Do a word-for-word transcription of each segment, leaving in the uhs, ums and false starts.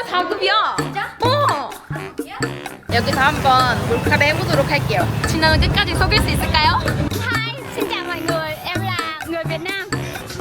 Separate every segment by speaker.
Speaker 1: 사 급이야.
Speaker 2: 진짜?
Speaker 1: 어.
Speaker 2: 야?
Speaker 1: 여기서 한번 몰카를 해보도록 할게요. 진아는 끝까지 속일 수 있을까요?
Speaker 2: Hi, xin chào mọi người, em là người Việt Nam.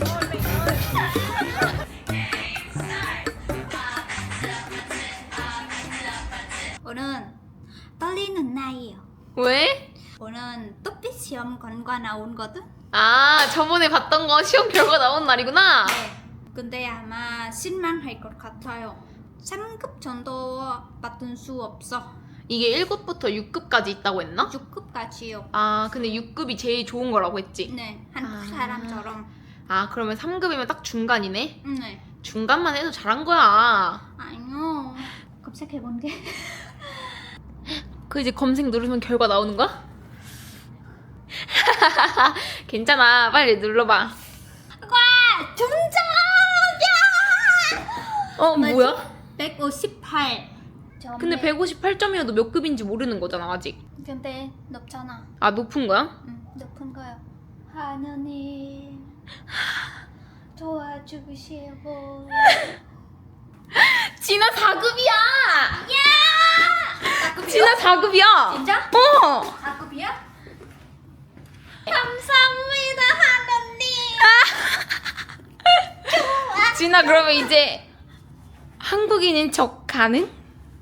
Speaker 2: 오늘은 떨리는 날이에요.
Speaker 1: 왜?
Speaker 2: 오늘 뚝빛 시험 결과 나온거든?
Speaker 1: 아, 저번에 봤던 거 시험 결과 나온 날이구나.
Speaker 2: 네. 근데 아마 실망할 것 같아요. 삼 급 정도 받을 수 없어.
Speaker 1: 이게 일 급부터 육 급까지 있다고 했나?
Speaker 2: 육 급까지요.
Speaker 1: 아, 근데 육 급이 제일 좋은 거라고 했지?
Speaker 2: 네, 한국
Speaker 1: 아.
Speaker 2: 사람처럼.
Speaker 1: 아, 그러면 삼 급이면 딱 중간이네?
Speaker 2: 네.
Speaker 1: 중간만 해도 잘한 거야.
Speaker 2: 아니요. 검색해본 게.
Speaker 1: 그 이제 검색 누르면 결과 나오는 거야? 괜찮아, 빨리 눌러봐.
Speaker 2: 와! 중정이야!
Speaker 1: 어, 뭐야?
Speaker 2: 백오십팔.
Speaker 1: 근데 백오십팔 점이어도 몇 급인지 모르는 거잖아, 아직.
Speaker 2: 근데 높잖아.
Speaker 1: 아, 높은 거야?
Speaker 2: 응, 높은 거야. 하느님 도와주시고.
Speaker 1: 진아 사 급이야!
Speaker 2: 야!
Speaker 1: 진아 사 급이야!
Speaker 2: 진짜?
Speaker 1: 어!
Speaker 2: 사 급이야? 감사합니다, 하느님.
Speaker 1: 진아, 그러면 이제 한국인인 척 가능?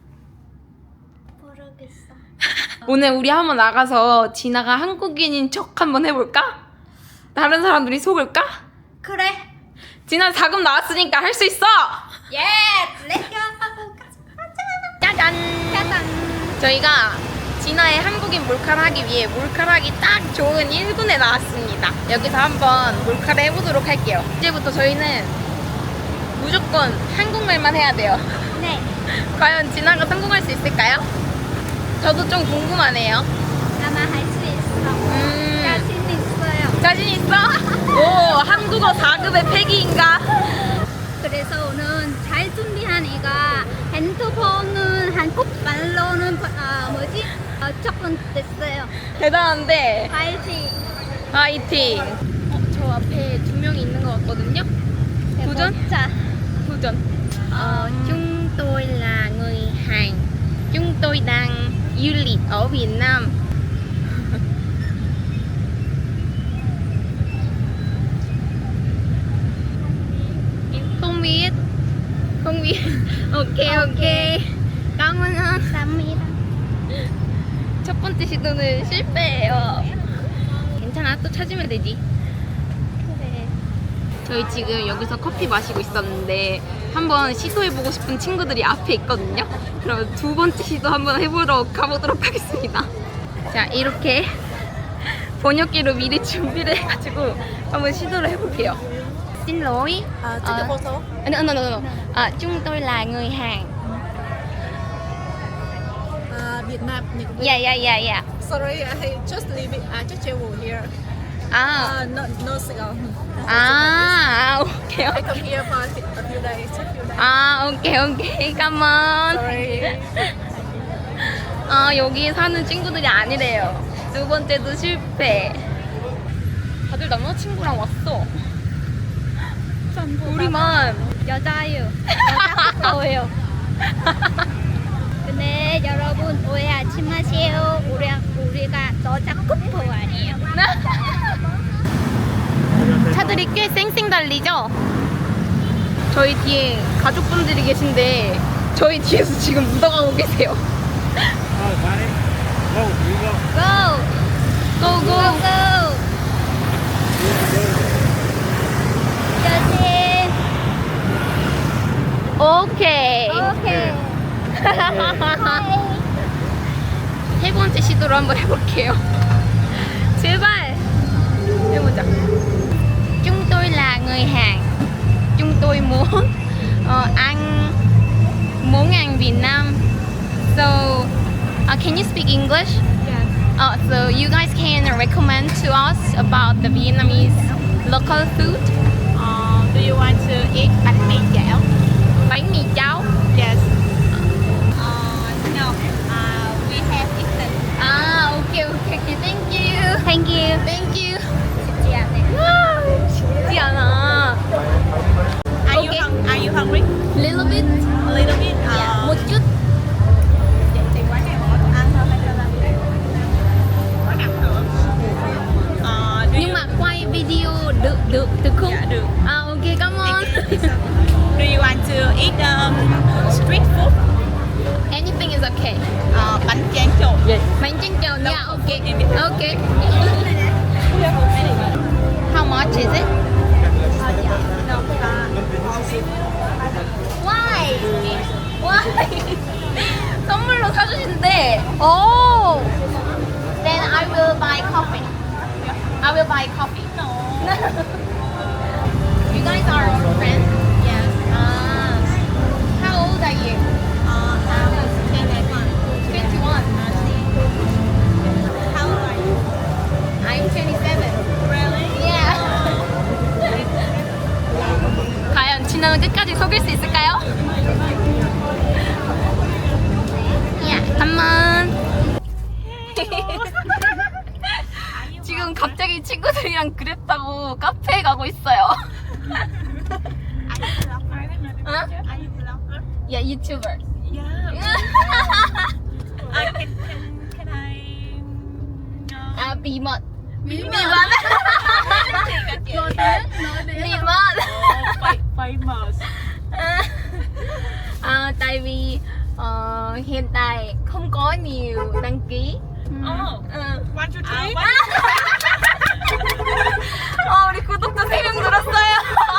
Speaker 2: 모르겠어.
Speaker 1: 오늘 우리 한번 나가서 진아가 한국인인 척 한번 해볼까? 다른 사람들이 속을까?
Speaker 2: 그래.
Speaker 1: 진아 사 급 나왔으니까 할 수 있어!
Speaker 2: 예! 렛츠고!
Speaker 1: 짜잔!
Speaker 2: 짜잔!
Speaker 1: 저희가 진아의 한국인 몰카를 하기 위해 몰카를 하기 딱 좋은 일 군에 나왔습니다. 여기서 한번 몰카를 해보도록 할게요. 이제부터 저희는 무조건 한국말만 해야 돼요.
Speaker 2: 네.
Speaker 1: 과연 진아가 성공할 수 있을까요? 저도 좀 궁금하네요.
Speaker 2: 아마 할 수 있어.
Speaker 1: 음.
Speaker 2: 자신 있어요.
Speaker 1: 자신 있어? 오, 한국어 사 급의 패기인가?
Speaker 2: 그래서 오늘 잘 준비한 애가 핸드폰은 한국 말로는 아 뭐지? 어, 접근됐어요.
Speaker 1: 대단한데.
Speaker 2: 파이팅.
Speaker 1: 화이팅! 어, 저 앞에 두 명이 있는 것 같거든요? 도전?
Speaker 2: 자,
Speaker 1: 도전. Ờ, chúng tôi là người Hàn. Chúng tôi đang du lịch ở Việt Nam. Em không biết. Không biết. Ok, ok. Cảm ơn.
Speaker 2: 감사합니다.
Speaker 1: 첫 번째 시도는 실패예요. 괜찮아, 또 찾으면 되지.
Speaker 2: 그래.
Speaker 1: 저희 지금 여기서 커피 마시고 있었는데 한번 시도해보고 싶은 친구들이 앞에 있거든요. 그럼 두 번째 시도 한번 해보러 가보도록 하겠습니다. 자, 이렇게 번역기로 미리 준비를 해가지고 한번 시도를 해볼게요. Xin lỗi.
Speaker 3: À, take a photo.
Speaker 1: No, no, no, no. À, chúng tôi là người Hàn.
Speaker 3: À, Việt Nam. Nhật Việt.
Speaker 1: Yeah, yeah, yeah, yeah.
Speaker 3: Sorry, I just leave it. I just travel here.
Speaker 1: 아,
Speaker 3: Uh, no, no Saigon.
Speaker 1: 아, 오케이,
Speaker 3: I
Speaker 1: 오케이.
Speaker 3: come here for a few days. A few days.
Speaker 1: 아, 오케이, 오케이. 깜만.
Speaker 3: Sorry.
Speaker 1: 아, 여기 사는 친구들이 아니래요. 두 번째도 실패. 다들 남자친구랑 왔어. 우리만.
Speaker 2: 여자예요. 여자 거예요. 근데 여러분 오해하지 마세요. 우리 우리가 여자 커플 아니에요.
Speaker 1: 차들이 꽤 쌩쌩 달리죠? 저희 뒤에 가족분들이 계신데 저희 뒤에서 지금 묻어가고 계세요.
Speaker 4: Oh, got it. Go, you go.
Speaker 2: Go,
Speaker 1: 고고.
Speaker 2: go, go. 여신.
Speaker 1: 오케이.
Speaker 2: 오케이.
Speaker 1: 세 번째 시도로 한번 해볼게요. 제발 해보자. Chúng tôi là người Hàn. Chúng tôi muốn ờ, ăn món ăn Việt Nam. So, uh, can you speak English?
Speaker 2: Yes.
Speaker 1: Uh, so you guys can recommend to us about the Vietnamese local food.
Speaker 3: Uh, do you want to eat bánh mì chảo?
Speaker 1: Bánh mì cháo.
Speaker 3: Yes.
Speaker 2: Uh, no. Uh, we have eaten.
Speaker 1: Ah, okay, okay, okay. Thank you.
Speaker 2: Thank you.
Speaker 1: Thank you.
Speaker 2: 쉽지 않네.
Speaker 1: 쉽지 않아.
Speaker 3: Are you
Speaker 1: Okay.
Speaker 3: hung- Are you hungry?
Speaker 1: Little bit.
Speaker 3: A little bit. Uh,
Speaker 1: Okay. Okay. How much is it? Why? Why? 선물로 사주신대. Oh. Then I will buy coffee. I will buy coffee. No. You guys are friends? Yes. Ah. How old are you? Uh, I was twenty-one. twenty-one.
Speaker 3: How old are you?
Speaker 1: I'm twenty-seven.
Speaker 3: Really?
Speaker 1: Yeah. 과연 진아는 끝까지 속일 수 있을까요? Yeah, come on. 지금 갑자기 친구들이랑 그랩 타고 카페에 가고 있어요.
Speaker 3: Are you vlogger?
Speaker 1: Huh?
Speaker 3: Are you vlogger?
Speaker 1: Yeah, YouTuber.
Speaker 3: Yeah. I can, can, can I know?
Speaker 1: À, bí mật.
Speaker 2: Bí
Speaker 1: Bí
Speaker 2: mật.
Speaker 1: mật.
Speaker 2: Nói đến, nói đến
Speaker 1: Bí
Speaker 2: là
Speaker 1: mật.
Speaker 3: Oh, fa- famous.
Speaker 1: À, tại vì ờ, hiện tại không có nhiều đăng ký.
Speaker 3: Oh,
Speaker 1: 응.
Speaker 3: one, two, three.
Speaker 1: 어, 우리 구독자 세 명 늘었어요.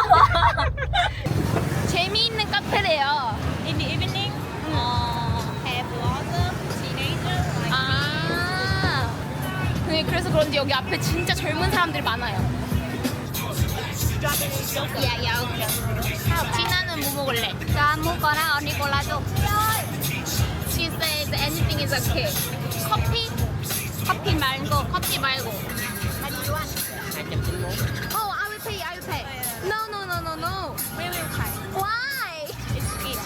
Speaker 1: 재미있는 카페래요.
Speaker 3: In the evening, uh, have lots of teenagers like
Speaker 1: 아. 네, 그래서 그런지 여기 앞에 진짜 젊은 사람들이 많아요. 야, 야, 오케이. 진아는 뭐 먹을래?
Speaker 2: Cho anh mua cola or Nicola 줘.
Speaker 1: She says anything is okay. 커피? 커피 말고, 커피 말고.
Speaker 3: How do you want?
Speaker 1: Oh, I will pay, I will pay. No, no, no, no, no.
Speaker 3: We will try.
Speaker 1: Why?
Speaker 3: It's sweet.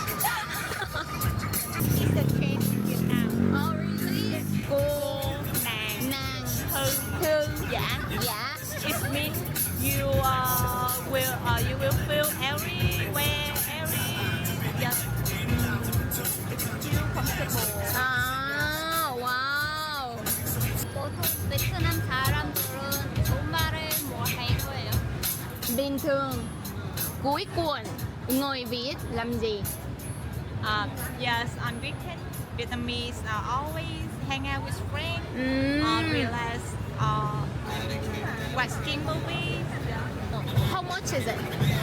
Speaker 3: It's the trend in Vietnam.
Speaker 1: Oh, really?
Speaker 3: Cô, nàng,
Speaker 1: nàng,
Speaker 3: thư,
Speaker 1: thư,
Speaker 3: giả.
Speaker 1: dạ.
Speaker 3: It means you uh, will uh, you will feel everywhere, every just feel comfortable.
Speaker 1: 아, 와우.
Speaker 2: 보통 베트남 사람들은 정말을 뭐 할 거예요?
Speaker 1: Bình thường, cuối tuần, người Việt làm gì?
Speaker 3: Uh, yes, on weekend, Vietnamese uh, always hang out with friends,
Speaker 1: 음.
Speaker 3: uh, relax, uh, watching movies.
Speaker 1: How much is it?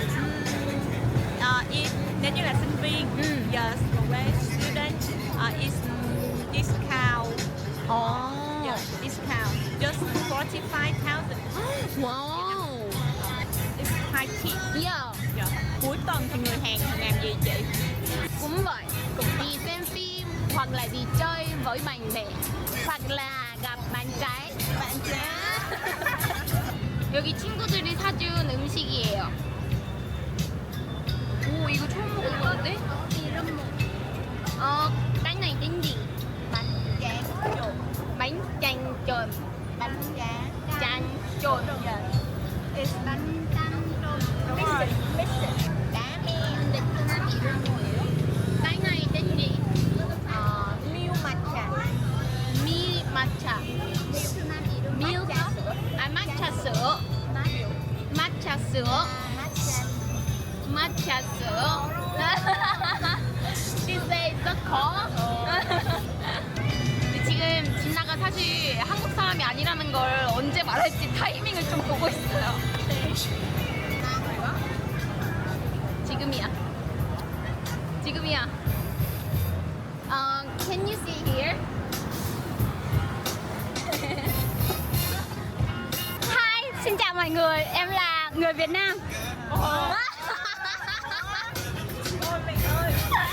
Speaker 3: Uh, if nếu như là sinh viên,
Speaker 1: Mm.
Speaker 3: yes, với student, uh, is discount,
Speaker 1: Oh.
Speaker 3: yes, discount, just forty-five thousand.
Speaker 1: Wow.
Speaker 3: It's high cheap.
Speaker 1: Yeah,
Speaker 3: Yeah. Cuối tuần thì người Hàn thường làm gì chị?
Speaker 1: cũng vậy. Cũng đi xem phim hoặc là đi chơi với bạn bè hoặc là gặp bạn trai.
Speaker 3: Bạn trẻ.
Speaker 1: 여기 친구들이 사준 음식이에요. 오, 이거 처음 먹어보는데?
Speaker 2: 이름 뭐?
Speaker 1: Ờ, cái này tên gì?
Speaker 3: Bánh tráng trộn.
Speaker 1: Bánh chanh trộn.
Speaker 3: Bánh tráng.
Speaker 1: Chanh trộn.
Speaker 3: It's bánh
Speaker 2: 짠 좀.
Speaker 3: đúng rồi. Mix it. Cá men.
Speaker 2: 베트남 이름 뭐예요?
Speaker 1: Cái này tên gì?
Speaker 3: Ờ, milk matcha.
Speaker 1: Mi matcha.
Speaker 2: 베트남 이름
Speaker 1: Milk. À, matcha sữa. Matcha sữa. matcha sữa. She says rất khó. 근데 지금 진나가 사실 한국 사람이 아니라는 걸 언제 말할지 타이밍을 좀 보고 있어요. 지금이야. 지금이야. Uh, can you see here? Hi, xin chào mọi người. Em là người Việt Nam.
Speaker 3: Ôi mẹ ơi.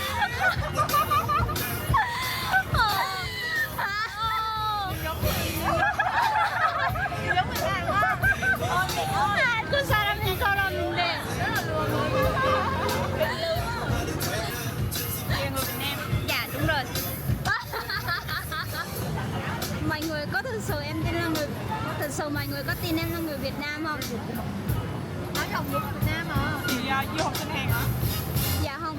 Speaker 3: Giống mình làm quá. Ôi mẹ ơi.
Speaker 1: 그 사람인 사람인데.
Speaker 3: Em người Việt Nam.
Speaker 1: Dạ đúng rồi.
Speaker 2: Mọi người có thực sự em tin là người thực sự mọi người có tin em là người Việt Nam không?
Speaker 3: Nói đồng nghiệp Việt Nam à. Thì uh, du học sinh Hàn hả?
Speaker 2: Dạ không.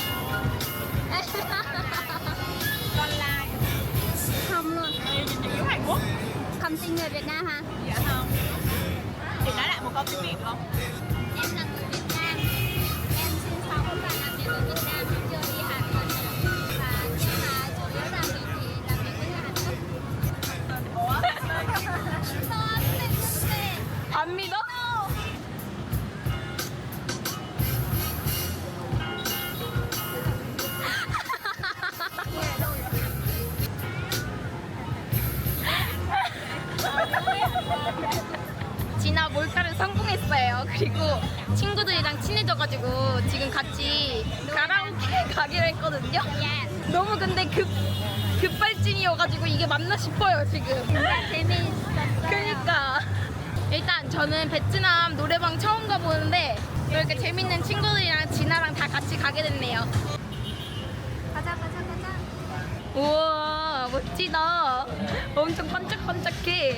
Speaker 3: Con lai.
Speaker 2: Không luôn.
Speaker 3: Em chị giống Hàn Quốc.
Speaker 2: Không tin người Việt Nam hả?
Speaker 3: Dạ không. Chị nói lại một câu tiếng Việt không?
Speaker 2: Em là người Việt Nam. Em sinh sống và làm việc ở Việt Nam, chưa đi Hàn lần nào. Và nhưng mà chủ yếu làm việc thì làm việc với người Hàn Quốc.
Speaker 3: Ủa?
Speaker 1: 친해져가지고 지금 같이 가라오케 가기로 했거든요. 너무 근데 급 급발진이어가지고 이게 맞나 싶어요 지금.
Speaker 2: 진짜 재미있었어요.
Speaker 1: 그러니까 일단 저는 베트남 노래방 처음 가보는데 이렇게 재밌는 친구들이랑 진아랑 다 같이 가게 됐네요.
Speaker 2: 가자 가자 가자.
Speaker 1: 우와 멋지다. 엄청 반짝반짝해.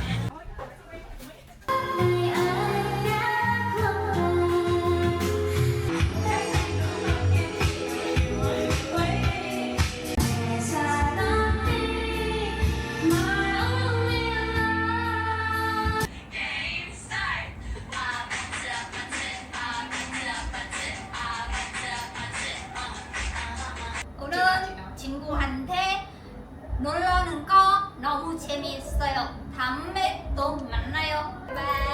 Speaker 2: 오늘 친구한테 놀러는 거 너무 재미있어요. 다음에 또 만나요. 바이.